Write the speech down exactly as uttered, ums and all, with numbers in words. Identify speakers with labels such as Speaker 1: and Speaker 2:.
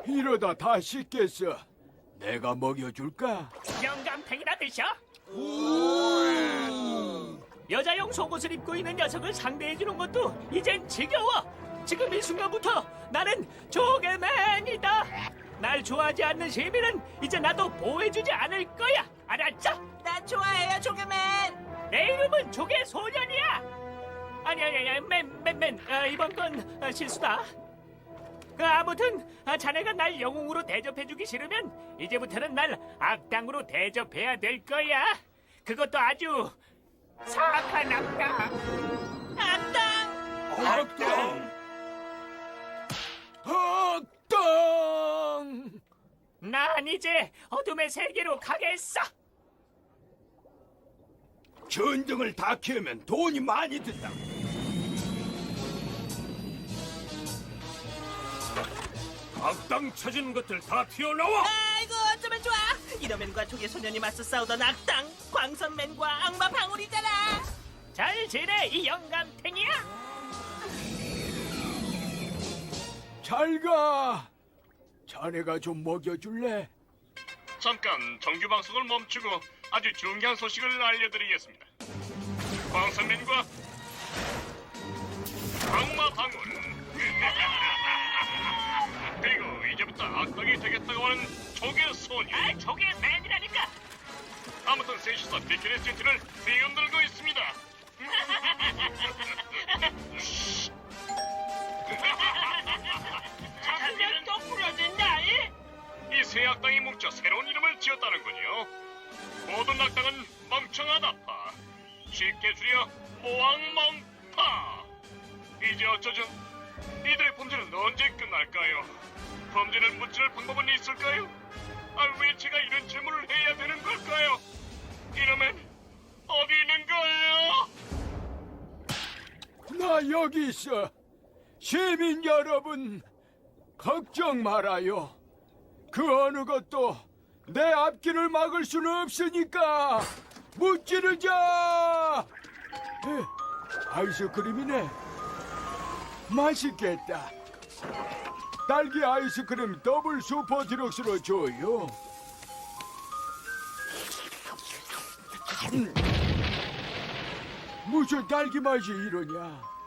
Speaker 1: 이러다 다 식겠어. 내가 먹여줄까?
Speaker 2: 영감탱이나 드셔. 여자용 속옷을 입고 있는 녀석을 상대해주는 것도 이젠 지겨워. 지금 이 순간부터 나는 조개맨이다. 날 좋아하지 않는 시민은 이제 나도 보호해주지 않을 거야. 알았죠?
Speaker 3: 나 좋아해요, 조개맨.
Speaker 2: 내 이름은 조개소년이야. 아니 아니 아니 맨맨맨 어, 이번 건 어, 실수다. 그 아무튼 아, 자네가 날 영웅으로 대접해주기 싫으면 이제부터는 날 악당으로 대접해야 될 거야. 그것도 아주 사악한 악당.
Speaker 3: 악당.
Speaker 1: 악당! 악당!
Speaker 2: 난 이제 어둠의 세계로 가겠어.
Speaker 1: 전등을 다 켜면 돈이 많이 든다. 악당 찾은 것들 다 튀어나와!
Speaker 3: 아이고, 어쩌면 좋아. 이러맨과 조개소년이 맞서 싸우던 악당, 광선맨과 악마 방울이잖아.
Speaker 2: 잘 지내 이 영감탱이야.
Speaker 1: 잘 가. 자네가 좀 먹여줄래?
Speaker 4: 잠깐 정규 방송을 멈추고 아주 중요한 소식을 알려드리겠습니다. 광선맨과 악마 방울 그리고 이제부터 악당이 되겠다고 하는 조개 소녀.
Speaker 2: 아, 조개맨이라니까.
Speaker 4: 아무튼 셋이서 비키니 세트를 뒤흔들고 있습니다.
Speaker 2: 장면 또 부러진다. 이?
Speaker 4: 이 새 악당이 뭉쳐 새로운 이름을 지었다는군요. 모든 악당은 멍청하다파, 쉽게 줄여 모왕멍파. 이제 어쩌죠? 이들의 범죄는 언제 끝날까요? 범죄를 무찌를 방법은 있을까요? 아, 왜 제가 이런 질문을 해야 되는 걸까요? 이러면 어디 있는 거예요?
Speaker 1: 나 여기 있어. 시민 여러분, 걱정 말아요. 그 어느 것도 내 앞길을 막을 수는 없으니까 무찌르자. 에, 아이스크림이네. 맛있겠다. 딸기 아이스크림 더블 슈퍼 디럭스로 줘요. 음. 무슨 딸기 맛이 이러냐?